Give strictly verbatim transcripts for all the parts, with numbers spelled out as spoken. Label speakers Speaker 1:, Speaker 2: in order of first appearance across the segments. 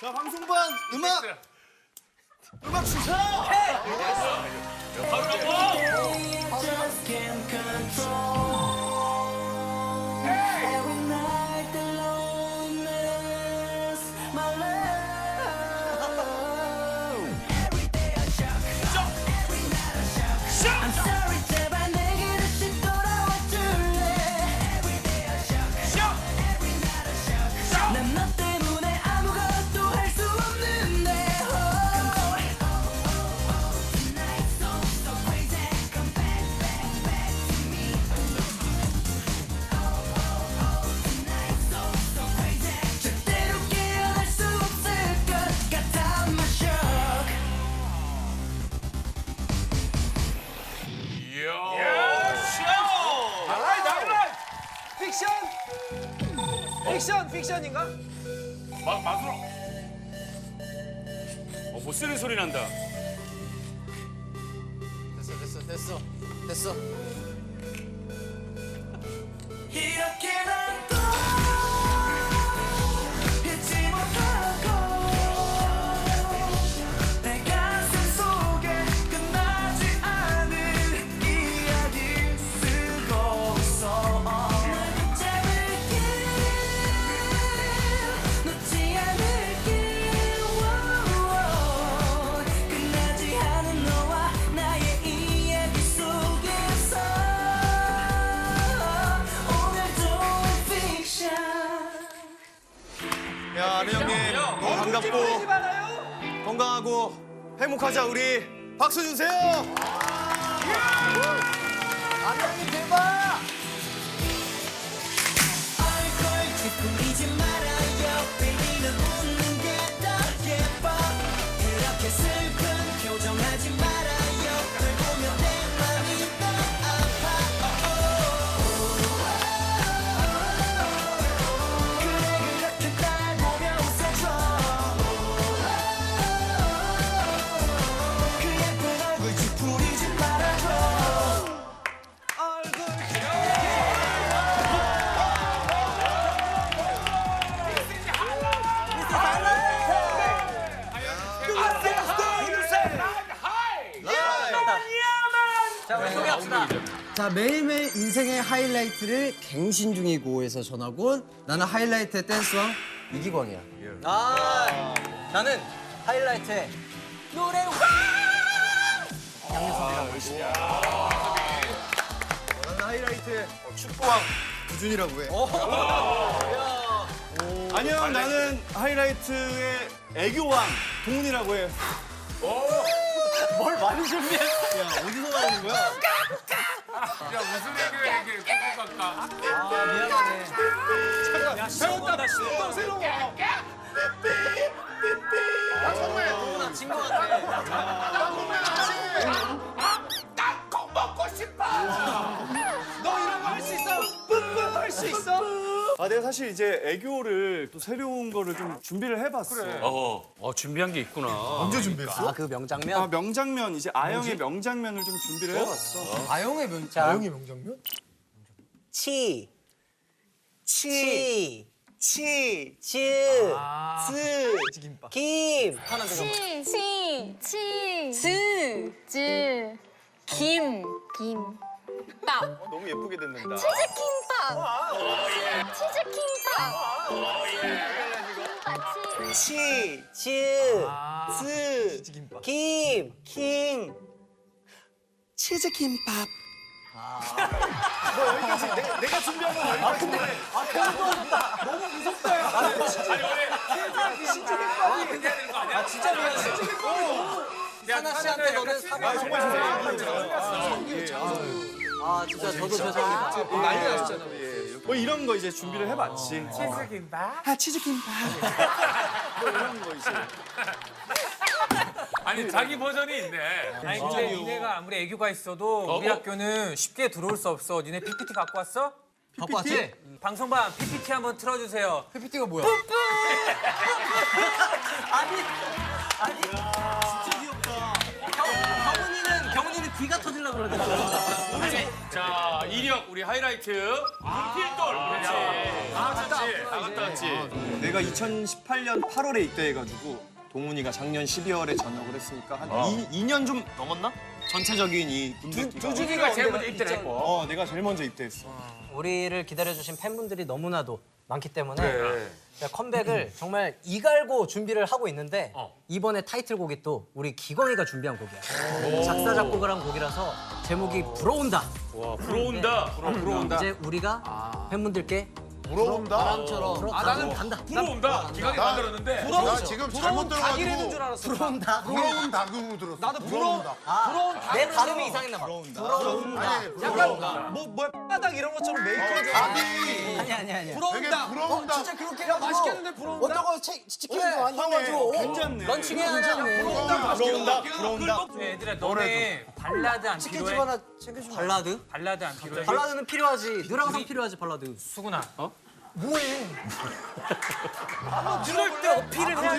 Speaker 1: 자, 방송반 음악! 음악 주세요!
Speaker 2: 바로 넘어!
Speaker 3: 픽션, 픽션인가?
Speaker 2: 막 막으로. 어, 못 쓰는 소리 난다.
Speaker 3: 됐어, 됐어, 됐어, 됐어.
Speaker 4: 이렇게 난또 잊지 못하고 내 가슴 속에 끝나지 않은 이야기 쓰고서 널 붙잡을게 놓지 않을게 끝나지 않은 너와 나의 이야기 속에서
Speaker 1: 야, 아는 형님 너무 반갑고 건강하고 행복하자 우리. 박수 주세요!
Speaker 3: 아는 형님 대박!
Speaker 4: 얼굴 찌푸리지 말아요 baby는 웃는 게 더 예뻐 그렇게 슬픈 표정하지 말아요 널 보면 내 맘이 더 아파 그래 그렇게 날 보며 웃어줘 그 예쁜 얼굴 찌푸리지 말아줘 얼굴
Speaker 3: 자, 우리 소개합시다.
Speaker 5: 자, 매일매일 인생의 하이라이트를 갱신 중이고에서 전학 온 나는 하이라이트의 댄스왕 이기광이야.
Speaker 3: 아, 나는 하이라이트의 노래를
Speaker 1: 나는 하이라이트의 축구왕 구준이라고 해. 안녕, 나는 하이라이트의 애교왕 동훈이라고 해.
Speaker 3: 뭘 많이 준비했어.
Speaker 1: 야, 어디서 나오는 거야?
Speaker 2: 야, 무슨 얘기야, 이게. 꾹꾹 깎아.
Speaker 3: 아, 미안하네.
Speaker 2: 야, 시원하다, 시원.
Speaker 1: 새로워.
Speaker 3: 나 친구 같아.
Speaker 2: 꼭 먹고 싶어!
Speaker 3: 너 이런 거 할 수 있어? 뿜뿜 할 수 있어?
Speaker 1: 아, 내가 사실 이제 애교를 또 새로운 거를 좀 준비를 해봤어.
Speaker 2: 어, 어, 준비한 게 있구나.
Speaker 1: 언제 준비했어?
Speaker 5: 아, 그 명장면?
Speaker 1: 아, 명장면, 이제 아영의 명장면을 좀 준비를 해봤어.
Speaker 5: 아영의 명,
Speaker 3: 자,
Speaker 5: 아영의 명장면?
Speaker 3: 치, 치, 치, 치, 스, 김. 하나 더.
Speaker 6: 치, 치, 치, 즈, 즈, 김, 김, 밥,
Speaker 1: 너무 예쁘게 듣는다.
Speaker 6: 치즈김밥, 치즈김밥,
Speaker 3: 치, 치, 스, 김, 김. 치즈김밥.
Speaker 1: 너 여기까치. 내가, 내가 준비한 건 여기까지.
Speaker 3: 아, 그래도 너무 무섭다. 야.
Speaker 2: 아니, 원래
Speaker 3: 치즈김밥이.
Speaker 2: 해야 되는 거 아니야?
Speaker 3: 아, 진짜 미안해. 사나 씨한테 너는 사과.
Speaker 1: 아, 정말 죄송해요.
Speaker 3: 아, 진짜 저도 죄송합니다. 난리 나셨잖아.
Speaker 1: 뭐 이런 거 이제 준비를 해봤지.
Speaker 2: 치즈김밥?
Speaker 1: 아, 치즈김밥. 뭐 이런 거 이제.
Speaker 2: 아니, 자기 버전이 있네.
Speaker 7: 아니 근데 니네가 아무리 애교가 있어도
Speaker 2: 어?
Speaker 7: 우리 학교는 쉽게 들어올 수 없어. 니네 피피티 갖고 왔어?
Speaker 5: 갖고 왔지?
Speaker 7: 방송반 피피티 한번 틀어주세요.
Speaker 5: 피피티가 뭐야?
Speaker 3: 아니, 아니. 진짜 귀엽다. 경훈이는, 경훈이는
Speaker 5: 귀가 터질라 그러네.
Speaker 2: 자, 이력 우리 하이라이트. 필돌. 그렇지. 다 갔다 왔지. 다 갔다 왔지.
Speaker 1: 내가 이천십팔 년 팔월에 입대해가지고 동훈이가 작년 십이월에 전역을 했으니까 한 이 년 좀 넘었나? 전체적인 이 분위기가.
Speaker 2: 두준이가 제일 먼저 입대를 했고.
Speaker 1: 어, 내가 제일 먼저 입대했어.
Speaker 8: 우리를 기다려주신 팬분들이 너무나도 많기 때문에
Speaker 2: 그래.
Speaker 8: 제가 컴백을 정말 이갈고 준비를 하고 있는데
Speaker 2: 어.
Speaker 8: 이번에 타이틀곡이 또 우리 기광이가 준비한 곡이야. 작사 작곡을 한 곡이라서 제목이 불어온다.
Speaker 2: 와, 불어온다.
Speaker 1: 들어온다.
Speaker 8: 이제 우리가 팬분들께
Speaker 3: 부러운다.
Speaker 8: 바람처럼
Speaker 2: 아, 나는
Speaker 8: 간다.
Speaker 2: 불어온다. 기강이 만들었는데.
Speaker 3: 나 지금 잘못 들어가지고
Speaker 5: 줄 알았어. 들어온다.
Speaker 3: 부러운 다그로 들었어. 나도 부러운다.
Speaker 8: 내 발음이 이상했나 봐.
Speaker 3: 아니,
Speaker 5: 약간 뭐 뭐야 바닥 이런 것처럼 메이커
Speaker 3: 아니,
Speaker 8: 아니 아니 아니.
Speaker 3: 되게
Speaker 5: 부러운다.
Speaker 3: 부러운다.
Speaker 5: 진짜 그렇게 야 맛있겠는데 부러운다.
Speaker 8: 어떤 거 치킨도 안 사가지고
Speaker 1: 괜찮네.
Speaker 8: 런칭해야 하잖아.
Speaker 1: 부러운다. 부러운다.
Speaker 7: 얘들아 너네 발라드 안
Speaker 8: 치킨집
Speaker 7: 필요해?
Speaker 8: 하나 챙겨주면 발라드?
Speaker 7: 발라드 안 필요해?
Speaker 8: 발라드는 필요하지. 늘 항상 필요하지 발라드.
Speaker 7: 수근아. 어?
Speaker 8: 뭐해?
Speaker 7: 그럴 때 어필을 해야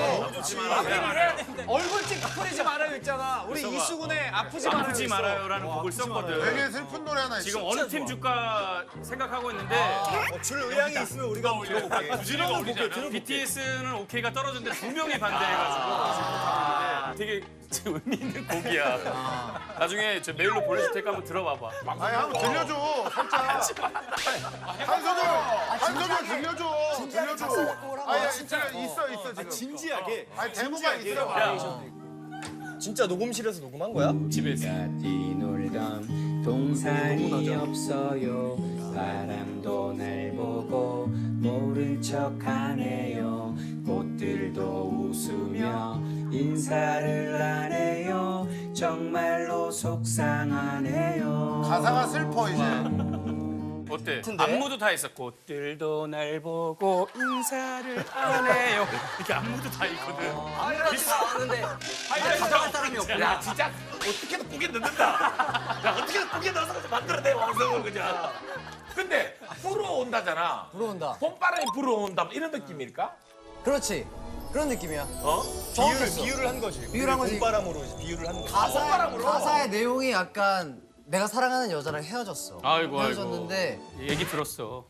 Speaker 7: 돼.
Speaker 5: 얼굴 찌푸리지 말아요 있잖아. 우리 이수근의 아프지 말아요.
Speaker 2: 아프지 말아요라는 곡을 썼거든.
Speaker 3: 되게 슬픈 노래 하나 있어.
Speaker 2: 지금 어느 팀 줄까 생각하고 있는데
Speaker 1: 줄 의향이 있으면 우리가 한번 들어볼게.
Speaker 2: 두준이가 올리잖아. 비티에스는 오케이가 떨어졌는데 두 명이 반대해가지고 지금 못하고 있는데 되게 지금 의미 있는 곡이야. 나중에 저 메일로 보내줄 테니까 한번 들어봐봐.
Speaker 3: 아니, 한번 들려줘. 살짝. 한 소절, 한 소절 들려줘. 들려줘. 아니, 진짜 있어, 있어, 지금.
Speaker 1: 진지하게.
Speaker 3: 아니, 데모가 있어.
Speaker 2: 야,
Speaker 1: 진짜 녹음실에서 녹음한 거야?
Speaker 2: 집에서.
Speaker 9: 뛰놀던 동산이 없어요. 바람도 날 보고 모른 척하네요. 꽃들도 웃으며 인사를 안 해요. 정말로 속상하네요.
Speaker 3: 가사가 슬퍼, 이제.
Speaker 2: 어때? 안무도 다 했어. 꽃들도 날 보고 인사를 안 해요. 이렇게 안무도 다 있거든.
Speaker 8: 아무렇지도 않은데
Speaker 2: 하이라이트
Speaker 8: 사람이 없구나.
Speaker 2: 야, 진짜 어떻게든 꾸게 넣는다. 야, 어떻게든 꾸게 넣어서 만들어내, 완성을 그냥. 근데 불어온다잖아.
Speaker 8: 불어온다.
Speaker 2: 봄바람이 불어온다. 이런 느낌일까?
Speaker 8: 그렇지. 그런 느낌이야.
Speaker 1: 비유를 비유를 한 거지.
Speaker 8: 비유를 한 거지.
Speaker 1: 봄바람으로 비유를 한 거지.
Speaker 8: 가사, 가사의 내용이 약간 내가 사랑하는 여자랑 헤어졌어.
Speaker 2: 아이고, 아이고.
Speaker 8: 헤어졌는데
Speaker 2: 얘기 들었어.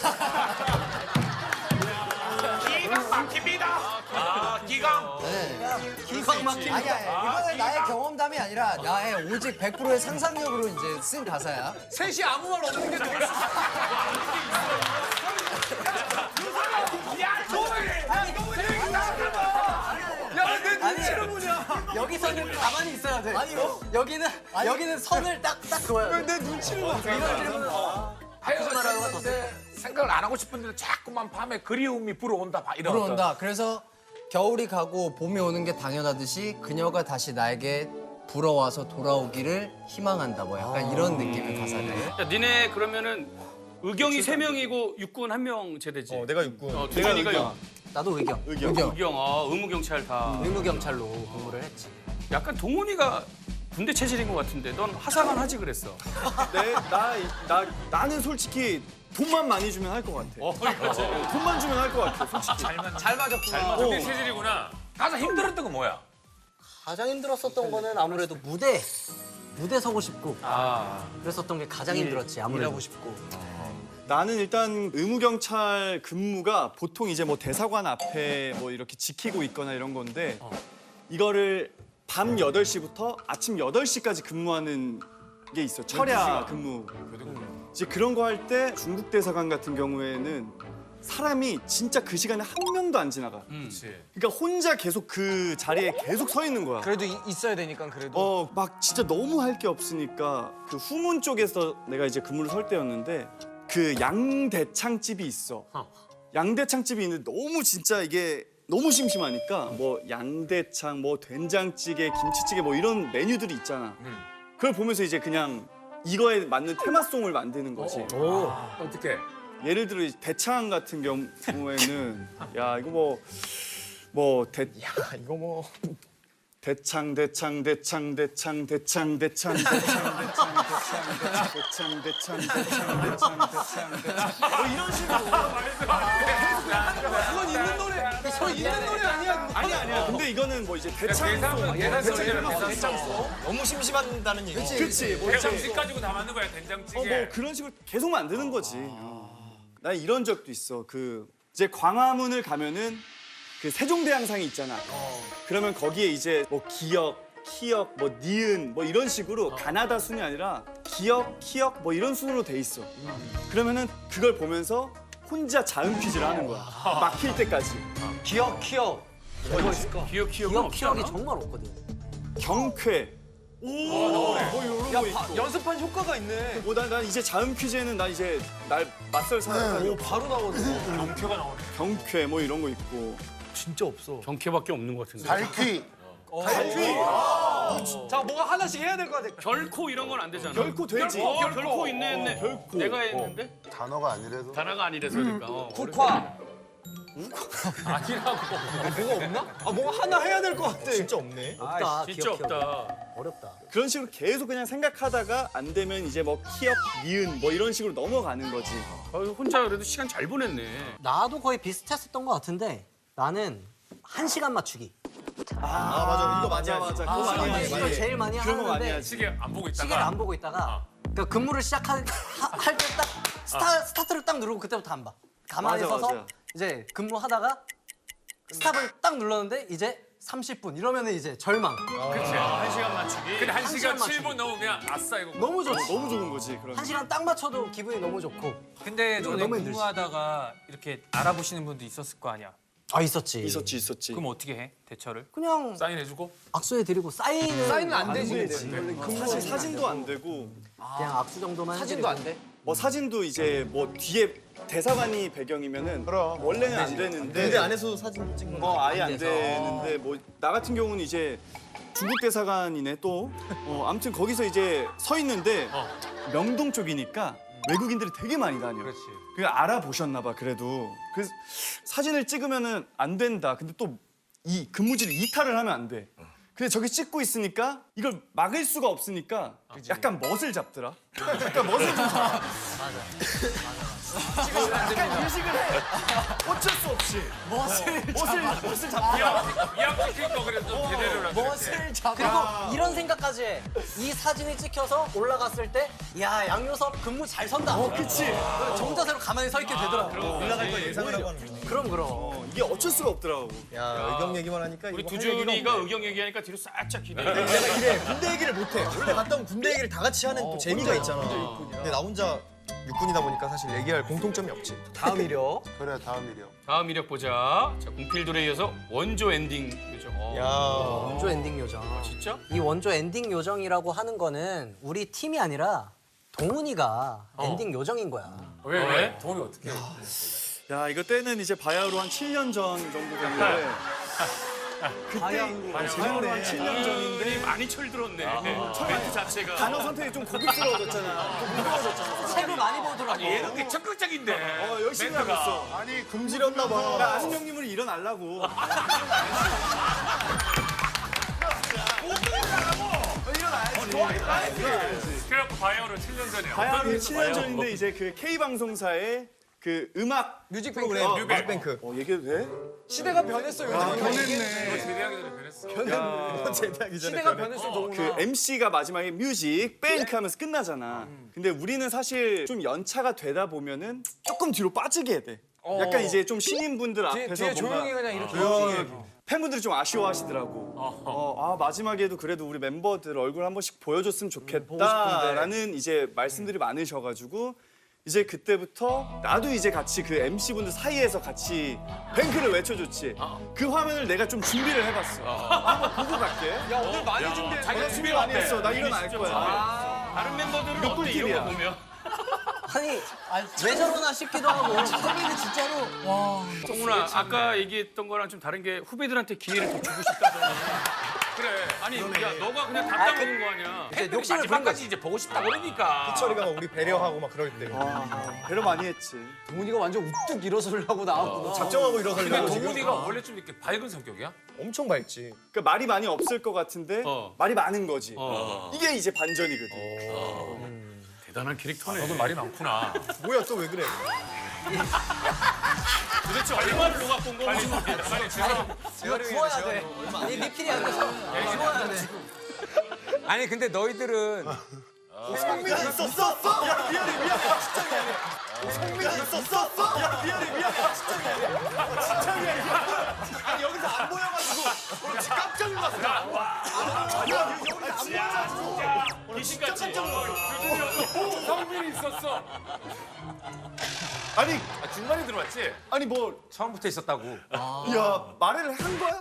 Speaker 2: 기강 막힙니다. 아, 기강.
Speaker 8: 기광 막힌. 아니야, 이거는 나의 경험담이 아니라 나의 오직 백 퍼센트의 상상력으로 이제 쓴 가사야.
Speaker 5: 셋이 아무 말 없는 게 좋을 수 야내 눈치를 보냐.
Speaker 8: 여기서는 가만히 있어야 돼. 아니요. 여기는 여기는 선을 딱딱 그어야 돼.
Speaker 5: 내 눈치를 봐.
Speaker 2: 하였는데 생각을 안 하고 싶은데 자꾸만 밤에 그리움이 불어온다. 봐, 이런
Speaker 8: 불어온다. 그래서 겨울이 가고 봄이 오는 게 당연하듯이 그녀가 다시 나에게 불어와서 돌아오기를 희망한다. 뭐 약간 이런 느낌의 가사네.
Speaker 2: 야, 니네 그러면은 의경이 세 명이고 육군 한 명 제대지.
Speaker 1: 어, 내가 육군.
Speaker 2: 어, 두준이가 육.
Speaker 8: 나도 의경.
Speaker 1: 의경.
Speaker 2: 의경, 아, 의무경찰 다.
Speaker 8: 의무경찰로 근무를 했지.
Speaker 2: 약간 동훈이가 군대 체질인 것 같은데 넌 하사관 하지 그랬어.
Speaker 1: 내, 나, 나, 나는 솔직히 돈만 많이 주면 할 것 같아.
Speaker 2: 어, 그렇지.
Speaker 1: 돈만 주면 할 것 같아, 솔직히.
Speaker 2: 잘 맞았구나. 군대 체질이구나. 가장 힘들었던 건 뭐야?
Speaker 8: 가장 힘들었었던 거는 아무래도 무대. 무대 서고 싶고
Speaker 2: 아,
Speaker 8: 그랬었던 게 가장 힘들었지. 아무래도.
Speaker 5: 일하고 싶고.
Speaker 1: 나는 일단 의무경찰 근무가 보통 이제 뭐 대사관 앞에 뭐 이렇게 지키고 있거나 이런 건데 이거를 밤 여덟 시부터 아침 여덟 시까지 근무하는 게 있어. 철야 근무. 이제 그런 거 할 때 중국 대사관 같은 경우에는 사람이 진짜 그 시간에 한 명도 안 지나가.
Speaker 2: 그렇지.
Speaker 1: 그러니까 혼자 계속 그 자리에 계속 서 있는 거야.
Speaker 5: 그래도 이- 있어야 되니까 그래도.
Speaker 1: 어, 막 진짜 너무 할 게 없으니까 그 후문 쪽에서 내가 이제 근무를 설 때였는데 그 양대창집이 있어. 양대창집이 있는데 너무 진짜 이게 너무 심심하니까 뭐 양대창, 뭐 된장찌개, 김치찌개 뭐 이런 메뉴들이 있잖아. 그걸 보면서 이제 그냥 이거에 맞는 테마송을 만드는 거지.
Speaker 2: 오, 어떻게?
Speaker 1: 예를 들어 이 대창 같은 경우에는 야 이거 뭐 뭐 대 야 이거 뭐 대창 대창 대창 대창 대창 대창 대창 대창 대창 대창 대창 대창 대창 대창 뭐 이런 식으로
Speaker 5: 그건 있는 노래. 그건 있는 노래 아니야.
Speaker 1: 아니 아니야 근데 근데 이거는 뭐 이제 대창소.
Speaker 7: 대장소. 너무 심심한다는 얘기.
Speaker 1: 그치. 뭐 이제
Speaker 2: 된장찌개 가지고 다 만든 거야 된장찌개.
Speaker 1: 어, 뭐 그런 식으로 계속 만드는 거지. 나 이런 적도 있어. 그 이제 광화문을 가면은 그 세종대왕상이 있잖아. 그러면 거기에 이제 뭐 기역, 키역, 뭐 니은 뭐 이런 식으로 가나다 순이 아니라 기역, 키역 뭐 이런 순으로 돼 있어. 그러면은 그걸 보면서 혼자 자음 퀴즈를 하는 거야. 막힐 때까지.
Speaker 7: 기억, 기억. 뭐가 있을까?
Speaker 2: 기억 기억은
Speaker 8: 기억
Speaker 2: 없지
Speaker 8: 기억이
Speaker 2: 않아?
Speaker 8: 정말 없거든.
Speaker 1: 경쾌. 오, 뭐 이런 거 있고.
Speaker 7: 연습한 효과가 있네.
Speaker 1: 뭐 난, 난 이제 자음 퀴즈에는 난 이제 날 맞설 사람.
Speaker 7: 오, 바로 나오네.
Speaker 2: 경쾌가 나오네.
Speaker 1: 경쾌 뭐 이런 거 있고.
Speaker 7: 진짜 없어.
Speaker 2: 경쾌밖에 없는 것 같은데.
Speaker 3: 달퀴.
Speaker 7: 자, 뭐가 하나씩 해야 될 것 같아.
Speaker 2: 결코 이런 건 안 되잖아.
Speaker 1: 결코 되지.
Speaker 2: 어, 결코 있네 했네.
Speaker 1: 결코.
Speaker 2: 내가 했는데
Speaker 3: 단어가 아니라서.
Speaker 2: 단어가 아니라서 그러니까. 어,
Speaker 7: 국화.
Speaker 2: 아니라고.
Speaker 7: 뭐가 없나? 아, 뭐가 하나 해야 될 것 같아. 진짜 없네.
Speaker 8: 없다.
Speaker 2: 진짜
Speaker 8: 기억, 기억.
Speaker 2: 없다.
Speaker 8: 어렵다.
Speaker 1: 그런 식으로 계속 그냥 생각하다가 안 되면 이제 뭐 키역, 니은 뭐 이런 식으로 넘어가는 거지.
Speaker 2: 어, 혼자 그래도 시간 잘 보냈네.
Speaker 8: 나도 거의 비슷했었던 것 같은데 나는 한 시간 맞추기.
Speaker 1: 아, 맞아. 이거 맞아, 맞아. 그거 많이 하지.
Speaker 8: 이걸 제일 많이
Speaker 1: 그런 거 많이
Speaker 8: 하는데
Speaker 1: 하지.
Speaker 2: 시계 안 보고 있다가.
Speaker 8: 시계를 안 보고 있다가 그러니까 근무를 시작할 때 딱 스타, 스타트를 딱 누르고 그때부터 안 봐. 가만히
Speaker 1: 맞아,
Speaker 8: 서서
Speaker 1: 맞아.
Speaker 8: 이제 근무하다가 스탑을 딱 눌렀는데 이제 삼십 분 이러면은 이제 절망.
Speaker 2: 그렇지. 한 시간 맞추기. 근데 한
Speaker 8: 한
Speaker 2: 시간
Speaker 8: 시간
Speaker 2: 칠 분 넘으면 아싸 이거.
Speaker 8: 너무 좋지.
Speaker 1: 너무 좋은 거지. 그런.
Speaker 8: 한 시간 딱 맞춰도 기분이 너무 좋고.
Speaker 7: 근데 너네
Speaker 8: 너무 힘들지.
Speaker 7: 근무하다가 이렇게 알아보시는 분도 있었을 거 아니야.
Speaker 8: 아 있었지.
Speaker 1: 있었지, 있었지.
Speaker 7: 그럼 어떻게 해? 대처를?
Speaker 8: 그냥
Speaker 2: 사인해주고.
Speaker 8: 악수해드리고 사인은
Speaker 7: 사인은 안 되지.
Speaker 1: 사실 사진도 안 되고
Speaker 8: 그냥 악수 정도만
Speaker 7: 사진도
Speaker 8: 해드리고.
Speaker 7: 안 돼?
Speaker 1: 뭐 사진도 이제 뭐 뒤에 대사관이 배경이면은
Speaker 3: 그럼.
Speaker 1: 원래는 안 되는데
Speaker 5: 안에서도 사진 찍는
Speaker 1: 뭐 아예 안
Speaker 8: 돼서.
Speaker 1: 되는데 뭐 나 같은 경우는 이제 중국 대사관이네 또. 어, 아무튼 거기서 이제 서 있는데 명동 쪽이니까 외국인들이 되게 많이 다녀.
Speaker 7: 그렇지.
Speaker 1: 그 알아보셨나 봐 그래도. 그래서 사진을 찍으면은 안 된다. 근데 또 이 근무지를 이탈을 하면 안 돼. 근데 저기 찍고 있으니까 이걸 막을 수가 없으니까 약간 멋을 잡더라. 약간 멋을 좀 잡아. 약간 인식을 해. 어쩔 수 없이. 멋을 멋을 멋을 잡아.
Speaker 2: 이왕 찍힐 거 그래도 제대로 하자.
Speaker 8: 멋을 잡아. 그리고 이런 생각까지 해. 이 사진이 찍혀서 올라갔을 때, 야 양요섭 근무 잘 선다. 어,
Speaker 1: 그치.
Speaker 8: 정자세로 가만히 서 있게 되더라고.
Speaker 5: 올라갈 거 예상을 하고 하는 거지.
Speaker 8: 그럼 그럼.
Speaker 1: 어, 이게 어쩔 수가 없더라고.
Speaker 5: 야, 의경 얘기만 하니까
Speaker 2: 우리
Speaker 5: 이거 할 얘기가
Speaker 2: 두준이가
Speaker 5: 없네.
Speaker 2: 의경 얘기하니까 뒤로 살짝 기대.
Speaker 5: 내가 이래 군대 얘기를 못해. 원래 갔다 오면 군대 얘기를 다 같이 하는 또 재미가 있잖아. 근데 나 혼자 육군이다 보니까 사실 얘기할 공통점이 없지.
Speaker 7: 다음 이력.
Speaker 3: 그래 다음 일이요.
Speaker 2: 다음 이력 보자. 자, 공필돌에 이어서 원조 엔딩 요정. 어.
Speaker 5: 야.
Speaker 8: 원조 엔딩 요정.
Speaker 2: 진짜?
Speaker 8: 이 원조 엔딩 요정이라고 하는 거는 우리 팀이 아니라 동훈이가 엔딩 요정인 거야.
Speaker 2: 왜 왜? 돈이 어떻게?
Speaker 1: 야 이거 때는 이제 바야흐로 한 칠 년 전 정도 됐는데 그때 바야흐로 한 칠 년 전인데
Speaker 2: 많이 철들었네. 멘트 자체가.
Speaker 1: 단어 선택이 좀 고급스러워졌잖아. 좀 무거워졌잖아.
Speaker 8: 책을 많이 보더라고.
Speaker 2: 얘는 게 적극적인데.
Speaker 1: 어 열심히 하고 있어.
Speaker 3: 아니 금지렸나 봐.
Speaker 1: 나 아는 형님을 일어나려고.
Speaker 2: 그래갖고 바이오로 칠 년 전이야.
Speaker 1: 바야흐로 칠 년 전인데 이제 그 K 방송사의 그 음악
Speaker 7: 뮤직
Speaker 5: 프로그램
Speaker 1: 어,
Speaker 5: 뮤직뱅크.
Speaker 1: 어 얘기해도 돼?
Speaker 7: 시대가 변했어요. 요즘은.
Speaker 2: 제대하기 전에 변했어.
Speaker 5: 제대하기 전에
Speaker 7: 시대가 변했어, 동훈아.
Speaker 1: 그 엠씨가 마지막에 뮤직 뱅크 하면서 끝나잖아. 근데 우리는 사실 좀 연차가 되다 보면은 조금 뒤로 빠지게 돼. 약간 이제 좀 신인분들
Speaker 7: 뒤에,
Speaker 1: 앞에서
Speaker 7: 뒤에
Speaker 1: 뭔가
Speaker 7: 조용히 그냥 이렇게.
Speaker 1: 조용히 팬분들이 좀 아쉬워하시더라고. 어, 아 마지막에도 그래도 우리 멤버들 얼굴 한 번씩 보여줬으면 좋겠다라는 이제 말씀들이 많으셔가지고 이제 그때부터 나도 이제 같이 그 엠씨분들 사이에서 같이 뱅크를 외쳐줬지. 그 화면을 내가 좀 준비를 해봤어. 한번 보고 갈게.
Speaker 7: 야, 오늘 많이 준비했어.
Speaker 1: 자기가 준비 많이 했어. 나 일어날 거야.
Speaker 2: 다른 멤버들은
Speaker 1: 이거
Speaker 2: 어때 이런
Speaker 1: 꿀팁이야.
Speaker 2: 거 보면?
Speaker 8: 아니 왜 저러나 싶기도 하고. 선배는 진짜로 와.
Speaker 2: 동훈아 아까 얘기했던 거랑 좀 다른 게 후배들한테 기회를 더 주고 싶다더니. 그래. 아니 야 너가 그냥 다 따먹은 거 아니야.
Speaker 8: 이제 욕심을 부린
Speaker 2: 마지막까지 이제 보고 싶다 그러니까.
Speaker 5: 희철이가 막 우리 배려하고 막 그럴 때
Speaker 1: 배려 많이 했지.
Speaker 7: 동훈이가 완전 우뚝 일어서려고 나왔구나.
Speaker 5: 작정하고 일어서려고
Speaker 2: 근데
Speaker 5: 지금.
Speaker 2: 동훈이가 원래 좀 이렇게 밝은 성격이야?
Speaker 5: 엄청 밝지.
Speaker 1: 그러니까 말이 많이 없을 것 같은데
Speaker 2: 어.
Speaker 1: 말이 많은 거지.
Speaker 2: 어.
Speaker 1: 이게 이제 반전이거든.
Speaker 2: 대단한 캐릭터네. 너도 말이 많구나.
Speaker 5: 뭐야 또 왜 그래?
Speaker 2: 도대체 얼마를 녹아본 건지 모르겠다. 빨리 주세요.
Speaker 8: 이거 구워야 돼. 이 리필이 안 돼서 구워야 돼.
Speaker 7: 아니 근데 너희들은
Speaker 1: 성민이 있었어? 야 미안해 미안해 진짜 미안해. 성민이 있었어? 야 미안해 미안해 진짜 미안해. 진짜 미안해. 아니 여기서 안 보여가지고 진짜 깜짝 놀랐어. 야 여기서 안 보여가지고
Speaker 2: 귀신같이.
Speaker 7: 성민이 있었어.
Speaker 3: 아니
Speaker 7: 중간에 들어왔지?
Speaker 1: 아니 뭐
Speaker 7: 처음부터 있었다고.
Speaker 1: 야 말을 한 거야?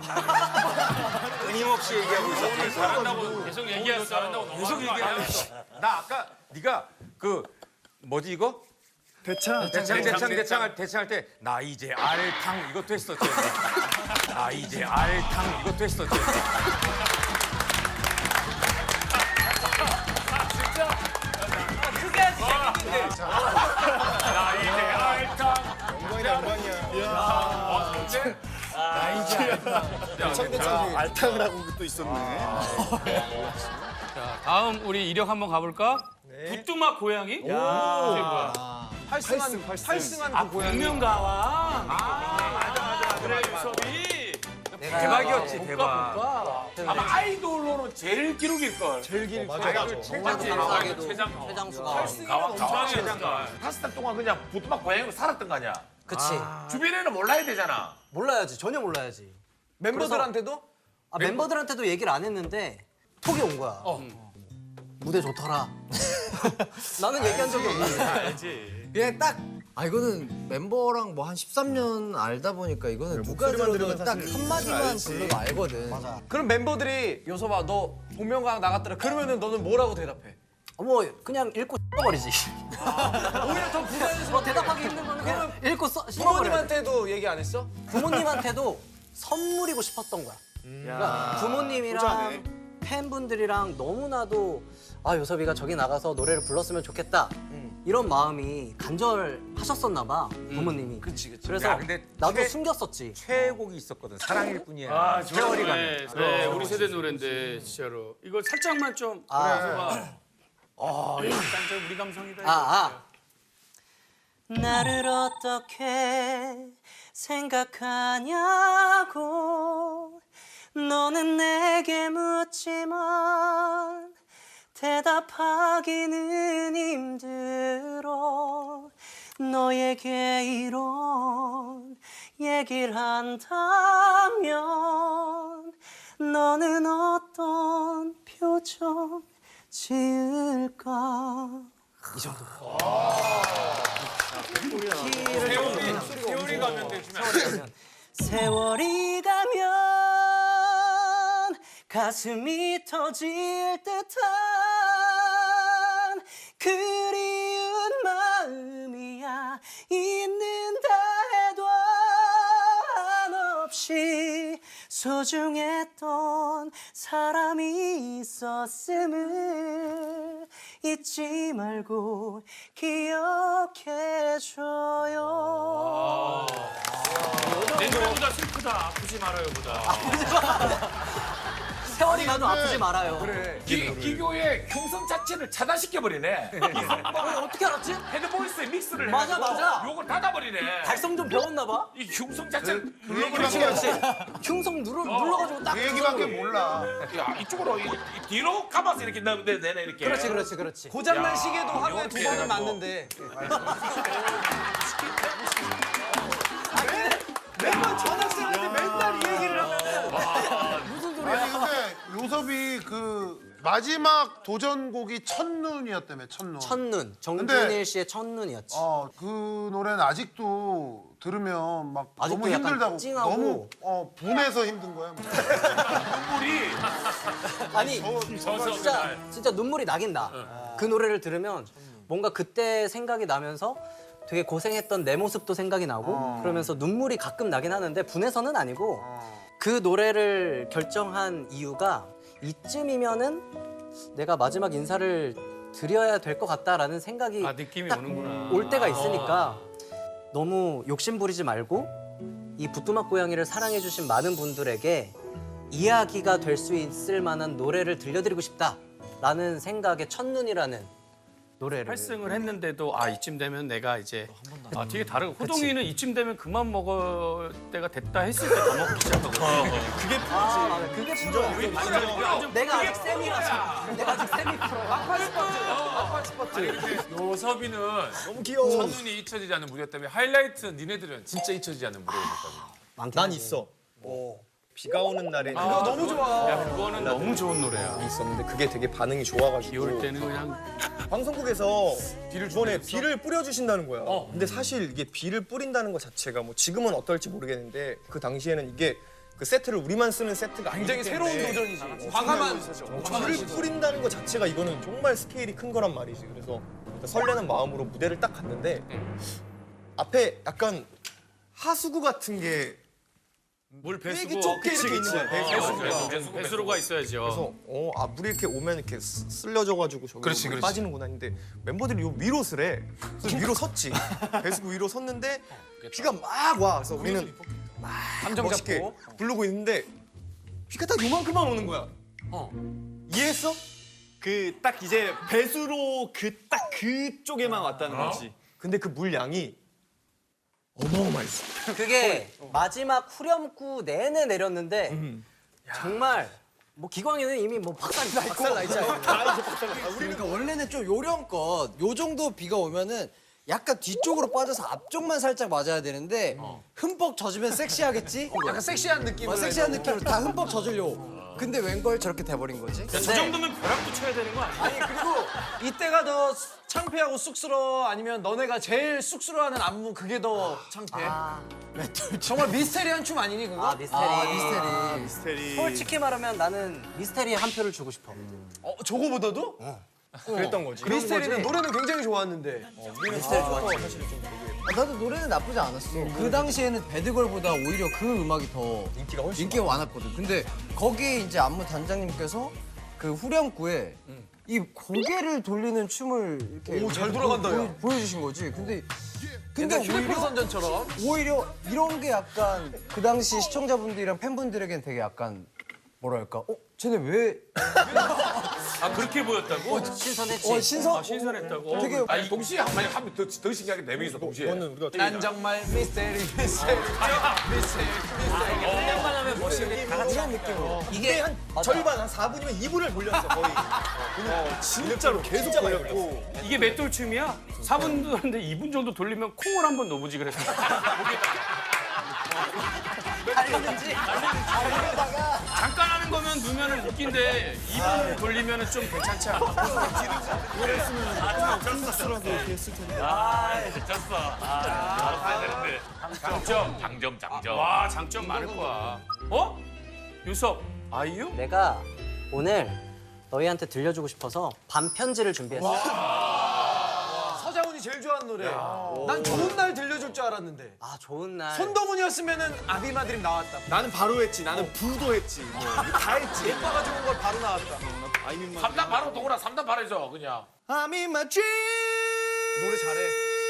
Speaker 7: 끊임없이 얘기하고 있었지.
Speaker 2: 잘한다고 계속 얘기했어. 잘한다고
Speaker 7: 계속 얘기하고 있어. 나 아까 네가 그 뭐지 이거?
Speaker 1: 대차.
Speaker 7: 대창 대창 대창 할 대창 할 때 나 이제 알탕 이것도 했었지. 나 이제 알탕 이것도 했었지.
Speaker 2: 나 이제 알탕.
Speaker 1: 알탕을 하고 또 있었네.
Speaker 2: 자, 다음 우리 이력 한번 가볼까? 부뚜막 고양이? 야, 이게 뭐야?
Speaker 7: 팔승한 팔승한
Speaker 2: 아,
Speaker 7: 그 고양이.
Speaker 2: 복면가왕. 아, 맞아, 맞아. 그래, 유섭이.
Speaker 7: 대박이었지 대박.
Speaker 2: 아마 아이돌로는 제일 기록일 걸.
Speaker 1: 제일 길.
Speaker 3: 맞아 맞아.
Speaker 8: 감사하게도
Speaker 2: 최장-
Speaker 8: 최장수가.
Speaker 2: 가왕
Speaker 10: 팔 달 동안 그냥 부뚜막 고양이로 살았던 거 아니야?
Speaker 8: 그치.
Speaker 10: 주변에는 몰라야 되잖아.
Speaker 8: 몰라야지. 전혀 몰라야지.
Speaker 7: 멤버들한테도
Speaker 8: 아, 멤버들한테도 얘기를 안 했는데 톡이 온 거야. 무대 좋더라. 나는 얘기한 적이 없는데. 그냥 딱. 아 이거는 멤버랑 뭐 한 십삼 년 알다 보니까 이거는 누가 들어도 딱 한마디만 불러도 알거든. 맞아.
Speaker 7: 그럼 멤버들이 요서봐 너 복면가왕 나갔더라. 그러면은 너는 뭐라고 대답해?
Speaker 8: 뭐 그냥 읽고 버리지.
Speaker 7: 오히려 더 부자연스러워.
Speaker 8: 뭐 대답하기 힘든 거는 그냥 읽고 써.
Speaker 7: 부모님한테도 얘기 안 했어?
Speaker 8: 부모님한테도 선물이고 싶었던 거야. 그러니까 부모님이랑 팬분들이랑 너무나도 아 요섭이가 저기 나가서 노래를 불렀으면 좋겠다 이런 마음이 간절하셨었나 봐 부모님이.
Speaker 7: 그치, 그치.
Speaker 8: 그래서
Speaker 7: 야, 근데
Speaker 8: 나도
Speaker 7: 최-
Speaker 8: 숨겼었지.
Speaker 7: 최애곡이 있었거든. 사랑일 뿐이야.
Speaker 2: 아,
Speaker 7: 세월이
Speaker 2: 좋네.
Speaker 7: 가면.
Speaker 2: 네, 우리 세대 노래인데 진짜로. 이거 살짝만 좀.
Speaker 8: 아.
Speaker 2: 그래서 아, 이거 약간 좀 우리 감성이다. 이거.
Speaker 8: 아, 아. 나를 어떻게 생각하냐고 너는 내게 묻지만 대답하기는 힘들어 너에게 이런 얘기를 한다면 너는 어떤 표정 지을까 이 정도.
Speaker 10: 세월이 세월이 가면 되시면
Speaker 8: 세월이 가면 가슴이 터질 듯한 그리운 마음이야 있는다 해도 한없이 소중했던 사람이 있었음을 잊지 말고 기억해줘요.
Speaker 2: 내 노래보다 슬프다. 아프지 말아요보다.
Speaker 8: 세월이 가도 아프지 말아요.
Speaker 7: 그래.
Speaker 10: 기, 기교의 흉성 자체를 차단시켜버리네.
Speaker 8: 어, 어떻게 알았지?
Speaker 10: 헤드보이스에 믹스를
Speaker 8: 맞아,
Speaker 10: 해가지고
Speaker 8: 맞아.
Speaker 10: 요걸 닫아버리네.
Speaker 8: 달성 좀 배웠나 봐.
Speaker 10: 이 흉성 자체를
Speaker 8: 그렇지, 그렇지. 흉성 눌러, 눌러가지고 딱.
Speaker 3: 그 얘기밖에 몰라.
Speaker 10: 야, 이쪽으로 이, 이 뒤로 감아서 이렇게 넣으면 되- 되네 이렇게.
Speaker 8: 그렇지, 그렇지, 그렇지.
Speaker 7: 고장난
Speaker 10: 야,
Speaker 7: 시계도 하루에 두
Speaker 10: 이렇게
Speaker 7: 번은
Speaker 10: 해갖고.
Speaker 7: 맞는데.
Speaker 8: 매번 전학생한테 맨날 이 얘기를 하면
Speaker 3: 아니 근데 요섭이 그 마지막 도전곡이 첫눈이었다며 첫눈.
Speaker 8: 첫눈. 정준일
Speaker 3: 근데-
Speaker 8: 씨의 첫눈이었지.
Speaker 3: 어, 그 노래는 아직도 들으면 막
Speaker 8: 아직도
Speaker 3: 너무
Speaker 8: 약간
Speaker 3: 힘들다고
Speaker 8: 찡하고.
Speaker 3: 너무 어, 분해서 힘든 거야.
Speaker 10: 눈물이
Speaker 8: 아니,
Speaker 2: 저서
Speaker 8: 진짜 진짜 눈물이 나긴 나. 그 노래를 들으면 뭔가 그때 생각이 나면서 되게 고생했던 내 모습도 생각이 나고 그러면서 눈물이 가끔 나긴 하는데 분해서는 아니고 그 노래를 결정한 이유가 이쯤이면은 내가 마지막 인사를 드려야 될 것 같다라는 생각이
Speaker 2: 아, 느낌이
Speaker 8: 딱
Speaker 2: 오는구나.
Speaker 8: 올 때가 있으니까 너무 욕심 부리지 말고 이 부뚜막 고양이를 사랑해주신 많은 분들에게 이야기가 될 수 있을 만한 노래를 들려드리고 싶다라는 생각에 첫눈이라는 노래를.
Speaker 2: 팔 승을 했는데도 아 이쯤 되면 내가 이제 아 되게 다르고 호동이는 이쯤 되면 그만 먹을 때가 됐다 했을 때 더 먹기 시작하거든요.
Speaker 1: 그게 프로지.
Speaker 8: 아, 그게 프로야. 내가 아직 세미라서. 내가 아직 세미 프로.
Speaker 10: 요섭이는
Speaker 5: 너무 귀여워.
Speaker 10: 천눈이 잊혀지지 않는 무대였다면 하이라이트 니네들은 진짜 잊혀지지 않는 무대였다면.
Speaker 5: 난 있어. 비가 오는 날에
Speaker 2: 그거 너무 좋아. 야 그거는 너무 좋은 노래야.
Speaker 5: 있었는데 그게 되게 반응이 좋아가지고
Speaker 2: 비올 때는 그냥
Speaker 5: 방송국에서 비를 이번에 비를 뿌려주신다는 거야. 근데 사실 이게 비를 뿌린다는 것 자체가 뭐 지금은 어떨지 모르겠는데 그 당시에는 이게 그 세트를 우리만 쓰는 세트가 굉장히 새로운 도전이지.
Speaker 3: 과감한
Speaker 5: 비를 뿌린다는 것 자체가 이거는 정말 스케일이 큰 거란 말이지. 그래서 설레는 마음으로 무대를 딱 갔는데 앞에 약간 하수구 같은 게
Speaker 2: 물 배수구
Speaker 5: 되게 좁게 이렇게 있는 거야. 배수구가.
Speaker 2: 배수, 배수, 배수로가 있어야죠.
Speaker 5: 그래서 어, 아 물이 이렇게 오면 이렇게 쓰- 쓸려져가지고 저기
Speaker 10: 그렇지,
Speaker 5: 물이
Speaker 10: 그렇지.
Speaker 5: 빠지는구나 했는데 멤버들이 요 위로 쓰래. 그래서 위로 섰지. 배수구 위로 섰는데 비가 막 와. 그래서 우리는 막
Speaker 3: 감정
Speaker 5: 멋있게
Speaker 3: 잡고.
Speaker 5: 부르고 있는데 비가 딱 요만큼만 오는 거야. 이해했어?
Speaker 1: 그 딱 이제 배수로 그 딱 그쪽에만 왔다는 거지.
Speaker 5: 근데 그 물 양이 어마어마했어.
Speaker 8: 그게 마지막 후렴구 내내 내렸는데 정말 뭐 기광이는 이미 뭐 박살이 나 있고
Speaker 5: 박살 나 있잖아.
Speaker 11: 그러니까 원래는 좀 요령껏 요 정도 비가 오면은 약간 뒤쪽으로 빠져서 앞쪽만 살짝 맞아야 되는데 흠뻑 젖으면 섹시하겠지?
Speaker 3: 약간 섹시한 느낌으로
Speaker 11: 어, 섹시한 느낌으로 다 흠뻑 젖으려고. 근데 웬걸 저렇게 돼버린 거지?
Speaker 2: 저 정도면 벼락도 쳐야 되는 거 아니야?
Speaker 3: 아니 그리고 이때가 더 창피하고 쑥스러워 아니면 너네가 제일 쑥스러워하는 안무 그게 더 창피해? 정말 미스테리한 춤 아니니 그거?
Speaker 8: 아 미스테리.
Speaker 11: 아, 미스테리.
Speaker 1: 미스테리.
Speaker 8: 솔직히 말하면 나는 미스테리에 한 표를 주고 싶어.
Speaker 3: 어, 저거보다도?
Speaker 5: 그랬던 거지.
Speaker 3: 미스테리는 노래는 굉장히 좋았는데
Speaker 8: 미스테리 좋아하지.
Speaker 11: 아, 나도 노래는 나쁘지 않았어. 그 당시에는 배드걸보다 오히려 그 음악이 더
Speaker 5: 인기가 훨씬
Speaker 11: 인기가 많았거든. 근데 거기에 이제 안무 단장님께서 그 후렴구에 이 고개를 돌리는 춤을 이렇게
Speaker 3: 오, 잘 돌아간다,
Speaker 11: 보여,
Speaker 3: 야.
Speaker 11: 보여주신 거지. 근데 근데
Speaker 3: 근데 휴대폰
Speaker 11: 오히려
Speaker 3: 선전처럼
Speaker 11: 오히려 이런 게 약간 그 당시 시청자분들이랑 팬분들에겐 되게 약간 뭐랄까? 어, 쟤네 왜
Speaker 2: 아 그렇게 보였다고?
Speaker 8: 신선했지.
Speaker 11: 어, 신선?
Speaker 2: 아, 신선했다고?
Speaker 11: 되게
Speaker 10: 아니 동시에 한 마디 하면 더, 더 신기하게 네 명이서 동시에.
Speaker 5: 그거는 우리가
Speaker 3: 난 정말 미스테리 미스테리 미스테리
Speaker 8: 생각만 하면 멋있는데 다 같이
Speaker 11: 이런 느낌으로.
Speaker 5: 이게 한 절반 한 사 분이면 이 분을 돌렸어 거의. 어, 진짜로 계속 돌렸고.
Speaker 2: 이게 맷돌 춤이야? 사 분도 하는데 이 분 정도 돌리면 콩을 한번 넣어보지 그랬어.
Speaker 8: 알려든지.
Speaker 2: 잠깐 하는 거면 넣으면 웃긴데 이 분 돌리면 좀 괜찮지 않아? 아, 졌어. 아, 장점, 장점, 장점. 와, 장점 많을 거야. 어? 유섭, 아이유?
Speaker 8: 내가 오늘 너희한테 들려주고 싶어서 반편지를 준비했어.
Speaker 3: 서장훈이 제일 좋아하는 노래 난 좋은 날 들려줄 줄 알았는데
Speaker 8: 아 좋은 날.
Speaker 3: 손동훈이었으면은 아비마드림 나왔다
Speaker 1: 나는 바로 했지. 나는 부도 했지. 뭐, 다 했지.
Speaker 3: 오빠가 좋은 걸 바로 나왔다
Speaker 1: 아이민만.
Speaker 10: 삼 단 바로 동훈아 삼 단 바로 해줘 그냥.
Speaker 1: I'm in my dream.
Speaker 3: 노래 잘해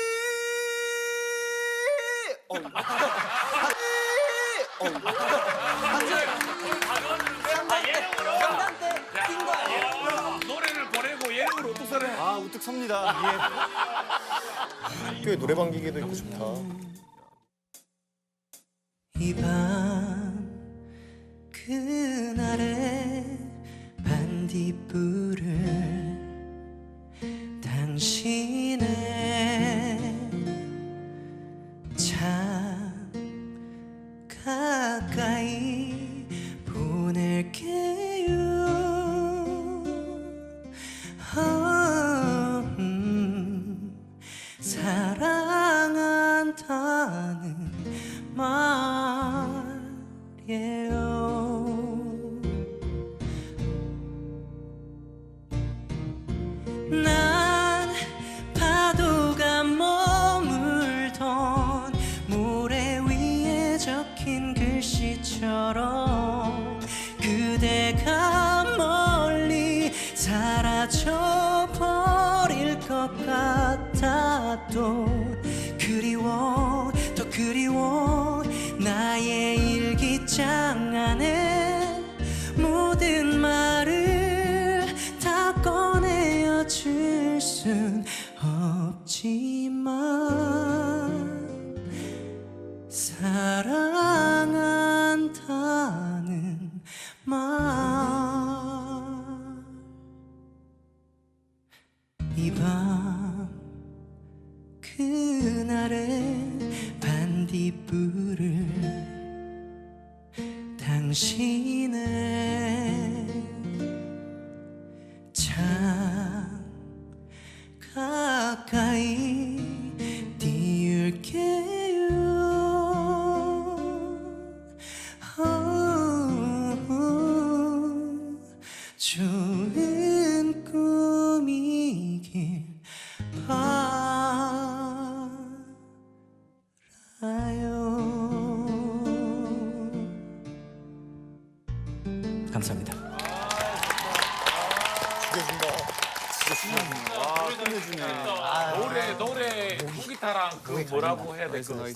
Speaker 8: 상담 때뛴거 아니야?
Speaker 10: 노래를 보내고 예능으로 어떻게 살해?
Speaker 1: 아 우뚝 섭니다.
Speaker 5: 학교에 노래방 기계도 있고 좋다.
Speaker 4: 이 밤 그날의 반딧불을 당신의 참 가까이 보낼게요. 어, 음, 사랑한다는 말이에요. 난 파도가 머물던 모래 위에 적힌 글씨처럼 그대가 멀리 사라져 버릴 것 같아도 그리워 더 그리워 나의 일기장 안에 모든 말을 다 꺼내어 줄 수
Speaker 9: 순 없지만 사랑한다는 말 이 밤 그날의 반딧불을 당신의 참 가까이 띄울게요. 어, 좋은 꿈이길 바라요. 감사합니다.
Speaker 10: 노래 노래 통기타랑 그 뭐라고 해야 될까?